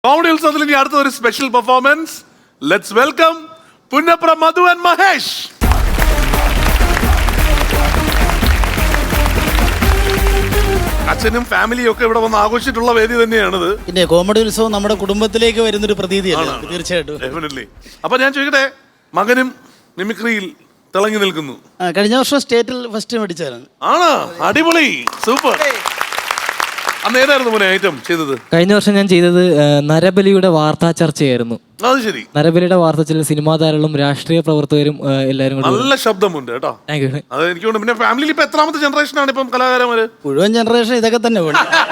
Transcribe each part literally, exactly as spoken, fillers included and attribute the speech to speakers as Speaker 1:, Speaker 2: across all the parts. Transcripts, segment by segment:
Speaker 1: Comedy ഉത്സവത്തിൽ ഇനി അടുത്ത ഒരു special performance. Let's welcome Punnapra Madhu and Mahesh. അച്ഛനും ഫാമിലിയും ഒക്കെ ഇവിടെ വന്ന് ആഘോഷിച്ചിട്ടുള്ള വേദി തന്നെയാണിത്.
Speaker 2: പിന്നെ കോമഡി ഉത്സവം നമ്മുടെ കുടുംബത്തിലേക്ക് വരുന്നൊരു പ്രതീതിയാണ് തീർച്ചയായിട്ടും.
Speaker 1: ഡെഫിനറ്റ്ലി. അപ്പൊ ഞാൻ ചോദിക്കട്ടെ, മകനും മിമിക്രിയിൽ തിളങ്ങി നിൽക്കുന്നു.
Speaker 2: കഴിഞ്ഞ വർഷം സ്റ്റേറ്റിൽ ഫസ്റ്റ് മേടിച്ചതാണ്.
Speaker 1: ആണോ? അടിപൊളി, സൂപ്പർ. അന്ന് ഏതായിരുന്നു മോനെ ഐറ്റം ചെയ്തത്?
Speaker 3: കഴിഞ്ഞ വർഷം ഞാൻ ചെയ്തത് നരബലിയുടെ വാർത്താ ചർച്ചയായിരുന്നു.
Speaker 1: അത് ശരി.
Speaker 3: നരബലിയുടെ വാർത്ത ചില സിനിമാ താരങ്ങളും രാഷ്ട്രീയ പ്രവർത്തകരും എല്ലാവരും കൂടി.
Speaker 1: നല്ല ശബ്ദമുണ്ട് കേട്ടോ. അത് എനിക്ക് തോന്നുന്നു. പിന്നെ ഫാമിലിയിൽ ഇപ്പൊ എത്രാമത്തെ ജനറേഷൻ ആണ് ഇപ്പം കലാകാരന്മാര്?
Speaker 2: മുഴുവൻ ജനറേഷൻ ഇതൊക്കെ തന്നെ.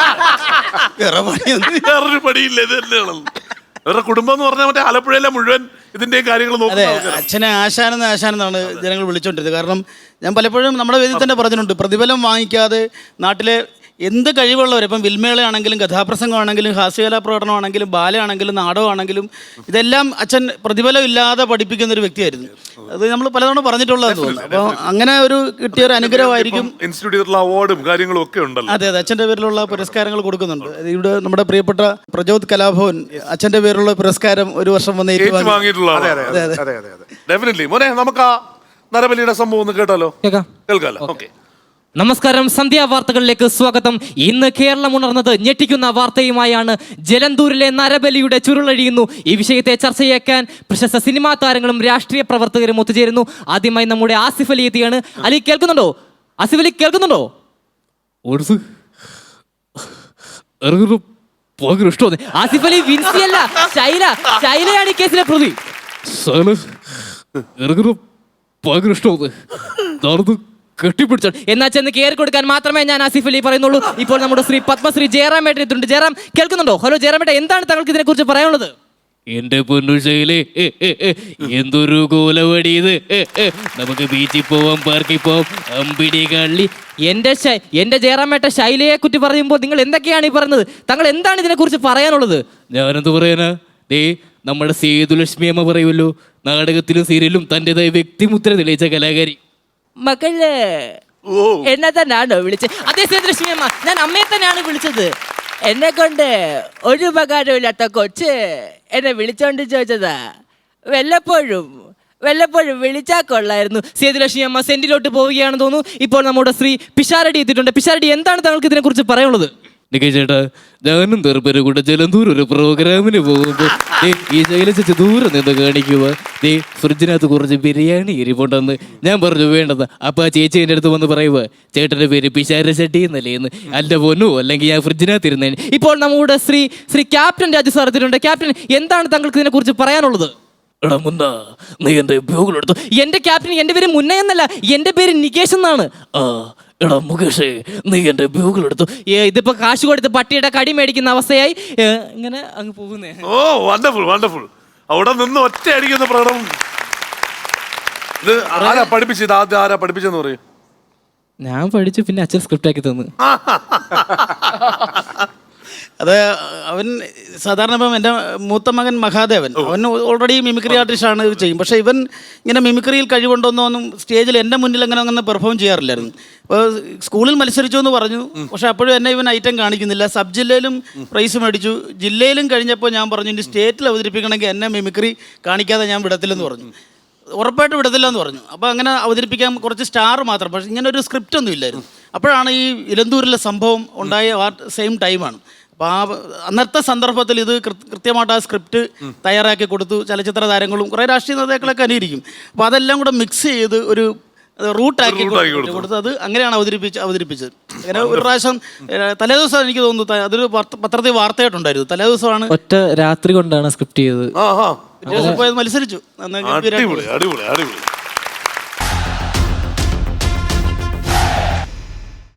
Speaker 1: വേറൊരു പടിയില്ല, ഇത് തന്നെയാണ് വേറെ കുടുംബം എന്ന് പറഞ്ഞാൽ മറ്റേ ആലപ്പുഴയിലെ മുഴുവൻ ഇതിന്റെയും കാര്യങ്ങൾ നോക്കുന്നത്.
Speaker 2: അച്ഛനെ ആശാനെന്ന് ആശാനെന്നാണ് ജനങ്ങൾ വിളിച്ചോണ്ടിരുന്നത്. കാരണം ഞാൻ പലപ്പോഴും നമ്മുടെ വേദിയിൽ തന്നെ പറഞ്ഞിട്ടുണ്ട്, പ്രതിഫലം വാങ്ങിക്കാതെ നാട്ടിലെ എന്ത് കഴിവുള്ളവർ, ഇപ്പം വിൽമേളയാണെങ്കിലും കഥാപ്രസംഗമാണെങ്കിലും ഹാസ്യകലാ പ്രകടനമാണെങ്കിലും ബാലയാണെങ്കിലും നാടകമാണെങ്കിലും ഇതെല്ലാം അച്ഛൻ പ്രതിഫലം ഇല്ലാതെ പഠിപ്പിക്കുന്ന ഒരു വ്യക്തിയായിരുന്നു. അത് നമ്മൾ പലതവണ പറഞ്ഞിട്ടുള്ളതെന്ന് തോന്നുന്നു. അപ്പോൾ അങ്ങനെ ഒരു കിട്ടിയ ഒരു അനുഗ്രഹമായിരിക്കും.
Speaker 1: ഇൻസ്റ്റിറ്റ്യൂട്ടിലുള്ള അവാർഡും കാര്യങ്ങളും ഒക്കെ ഉണ്ടല്ലോ.
Speaker 2: അതെ അതെ, അച്ഛൻ്റെ പേരിലുള്ള പുരസ്കാരങ്ങൾ കൊടുക്കുന്നുണ്ട്. ഇവിടെ നമ്മുടെ പ്രിയപ്പെട്ട പ്രചോദ് കലാഭവൻ അച്ഛൻ്റെ പേരിലുള്ള പുരസ്കാരം ഒരു വർഷം വന്ന്
Speaker 1: ഏറ്റുവാങ്ങിയിട്ടുള്ളതാണ്. ഡെഫിനറ്റ്ലി. മോനെ, നമുക്ക് ആ നരബലിയുടെ സംഭവം ഒന്ന് കേട്ടാലോ? കേൾക്കാലോ? ഓക്കെ.
Speaker 3: നമസ്കാരം, സന്ധ്യാ വാർത്തകളിലേക്ക് സ്വാഗതം. ഇന്ന് കേരളം ഉണർന്നത് ഞെട്ടിക്കുന്ന വാർത്തയുമായാണ്. ജലന്തൂരിലെ നരബലിയുടെ ചുരുളഴിയുന്നു. ഈ വിഷയത്തെ ചർച്ചയാക്കാൻ പ്രശസ്ത സിനിമാ താരങ്ങളും രാഷ്ട്രീയ പ്രവർത്തകരും ഒത്തുചേരുന്നു. ആദ്യമായി നമ്മുടെ ആസിഫ് അലി എത്തിയാണ്. അലി കേൾക്കുന്നുണ്ടോ? ആസിഫ് അലി കേൾക്കുന്നുണ്ടോ? ആസിഫ് അലി വിൻസിയല്ല, ശൈല. ശൈലയാണ് ഈ കേസിലെ പ്രതി. കെട്ടിപ്പിടിച്ചോ എന്നാ ചെന്ന് കയറി കൊടുക്കാൻ മാത്രമേ ഞാൻ ആസിഫ് അലി പറയുന്നുള്ളൂ. ഇപ്പോൾ നമ്മുടെ ശ്രീ പത്മശ്രീ ജയറാമേട്ടൻ എത്തുന്നുണ്ട്. ജയറാം കേൾക്കുന്നുണ്ടോ? ഹലോ ജയറാമേട്ടൻ, എന്താണ് താങ്കൾക്ക് ഇതിനെ കുറിച്ച് പറയാനുള്ളത്?
Speaker 4: എന്റെ പൊന്നു ശൈലേ, എന്തൊരു കോലവടി ഇത്. നമുക്ക് ബീച്ചിൽ പോവാം, പാർക്കിൽ പോവാം, അമ്പിടി കള്ളി.
Speaker 3: എന്റെ എന്റെ ജയറാമേട്ട ശൈലയെ കുറ്റി പറയുമ്പോൾ നിങ്ങൾ എന്തൊക്കെയാണ് ഈ പറയുന്നത്? താങ്കൾ എന്താണ് ഇതിനെ കുറിച്ച് പറയാനുള്ളത്?
Speaker 4: ഞാനെന്ത് പറയാനാ? ദേ നമ്മുടെ സേതുലക്ഷ്മി അമ്മ പറയുമല്ലോ, നാടകത്തിലും സീരിയലും തന്റേതായ വ്യക്തിമുദ്ര തെളിയിച്ച കലാകാരി.
Speaker 3: മകള് എന്നെ തന്നെയാണോ വിളിച്ചത്? അതേ സേതുലക്ഷ്മി അമ്മ, ഞാൻ അമ്മയെ തന്നെയാണ് വിളിച്ചത്. എന്നെ കൊണ്ട് ഒരു ഉപകാരമില്ലാത്ത കൊച്ച് എന്നെ വിളിച്ചോണ്ട് ചോദിച്ചതാ. വല്ലപ്പോഴും വല്ലപ്പോഴും വിളിച്ചാൽ കൊള്ളായിരുന്നു. സേതുലക്ഷ്മി അമ്മ സെന്റിലോട്ട് പോവുകയാണെന്ന് തോന്നുന്നു. ഇപ്പോൾ നമ്മുടെ ശ്രീ പിഷാരടി എത്തിയിട്ടുണ്ട്. പിഷാരടി, എന്താണ് താങ്കൾക്ക് ഇതിനെ കുറിച്ച് പറയാനുള്ളത്?
Speaker 4: ചേട്ടാ, ഞാനും തെറുപ്പരും കൂടെ ജലന്തൂർ ഒരു പ്രോഗ്രാമിന് പോകുമ്പോ ഈ ശൈലച്ച് ദൂരെ നിന്ന് കാണിക്കുക, ദേ ഫ്രിഡ്ജിനകത്ത് കുറച്ച് ബിരിയാണി ഇരിപ്പുണ്ടെന്ന്. ഞാൻ പറഞ്ഞു വേണ്ടത്. അപ്പൊ ആ ചേച്ചി എൻ്റെ അടുത്ത് വന്ന് പറയുക, ചേട്ടന്റെ പേര് പിഷാര ചട്ടി എന്നല്ലേ എന്ന്. അല്ല പൊന്നു, അല്ലെങ്കിൽ ഞാൻ ഫ്രിഡ്ജിനകത്ത് ഇരുന്നേ.
Speaker 3: ഇപ്പോൾ നമ്മുടെ ശ്രീ ശ്രീ ക്യാപ്റ്റൻ രാജു സാർ എത്തിയിട്ടുണ്ട്. ക്യാപ്റ്റൻ, എന്താണ് താങ്കൾക്ക് ഇതിനെ കുറിച്ച് പറയാനുള്ളത്?
Speaker 4: എടാ മുന്ന, നീ എന്റെ ഉപയോഗം.
Speaker 3: എന്റെ ക്യാപ്റ്റൻ, എന്റെ പേര് മുന്ന എന്നല്ല, എന്റെ പേര് നികേഷ് എന്നാണ്.
Speaker 4: ആ എടാ മുകേഷേ, നീ എന്റെ ബ്യൂഗിൾ എടുത്തു.
Speaker 3: ഇതിപ്പോ കാശ് കൊടുത്ത് പട്ടിയുടെ കടി മേടിക്കുന്ന അവസ്ഥയായി ഇങ്ങനെ അങ്ങ് പോകുന്നേ.
Speaker 1: ഓ വണ്ടർഫുൾ വണ്ടർഫുൾ. അവിടെ നിന്ന് ഒറ്റ അടിക്കുന്ന പ്രകടനം. ഇത് ആരാ പഠിപ്പിച്ചത്? ആദ്യം ആരാ പഠിപ്പിച്ചെന്ന് പറയും?
Speaker 3: ഞാൻ പഠിച്ചു, പിന്നെ അച്ഛൻ സ്ക്രിപ്റ്റ് ആക്കി തന്നു.
Speaker 2: അത് അവൻ സാധാരണ ഇപ്പം എൻ്റെ മൂത്ത മകൻ മഹാദേവൻ, അവൻ ഓൾറെഡി മിമിക്രി ആർട്ടിസ്റ്റാണ്, ഇത് ചെയ്യും. പക്ഷേ ഇവൻ ഇങ്ങനെ മിമിക്രിയിൽ കഴിവുണ്ടോന്നൊന്നും സ്റ്റേജിൽ എൻ്റെ മുന്നിൽ അങ്ങനെ അങ്ങനെ പെർഫോം ചെയ്യാറില്ലായിരുന്നു. അപ്പോൾ സ്കൂളിൽ മത്സരിച്ചു എന്ന് പറഞ്ഞു, പക്ഷേ അപ്പോഴും എന്നെ ഇവൻ ഐറ്റം കാണിക്കുന്നില്ല. സബ് ജില്ലയിലും പ്രൈസ് മേടിച്ചു, ജില്ലയിലും കഴിഞ്ഞപ്പോൾ ഞാൻ പറഞ്ഞു, ഇനി സ്റ്റേറ്റിൽ അവതരിപ്പിക്കണമെങ്കിൽ എന്നെ മിമിക്രി കാണിക്കാതെ ഞാൻ വിടത്തില്ലെന്ന് പറഞ്ഞു. ഉറപ്പായിട്ട് വിടത്തില്ല എന്ന് പറഞ്ഞു. അപ്പോൾ അങ്ങനെ അവതരിപ്പിക്കാൻ കുറച്ച് സ്റ്റാർ മാത്രം, പക്ഷേ ഇങ്ങനെ ഒരു സ്ക്രിപ്റ്റ് ഒന്നും ഇല്ലായിരുന്നു. അപ്പോഴാണ് ഈ ഇലന്തൂരിലെ സംഭവം ഉണ്ടായ ആ സെയിം ടൈമാണ്. അപ്പോൾ ആ അന്നത്തെ സന്ദർഭത്തിൽ ഇത് കൃത്യമായിട്ട് ആ സ്ക്രിപ്റ്റ് തയ്യാറാക്കി കൊടുത്തു. ചലച്ചിത്ര താരങ്ങളും കുറേ രാഷ്ട്രീയ നേതാക്കളൊക്കെ അനുകരിക്കും. അപ്പോൾ അതെല്ലാം കൂടെ മിക്സ് ചെയ്ത് ഒരു റൂട്ടാക്കി കൊടുത്ത് അത് അങ്ങനെയാണ് അവതരിപ്പിച്ച് അവതരിപ്പിച്ചത്. അങ്ങനെ ഒരു പ്രാവശ്യം തലേദിവസം എനിക്ക് തോന്നുന്നു അതൊരു പത്രത്തിൽ വാർത്തയായിട്ടുണ്ടായിരുന്നു. തലേദിവസമാണ്,
Speaker 3: ഒറ്റ രാത്രി കൊണ്ടാണ് സ്ക്രിപ്റ്റ് ചെയ്തത്.
Speaker 2: മത്സരിച്ചു.
Speaker 1: അടിപൊളി അടിപൊളി അടിപൊളി.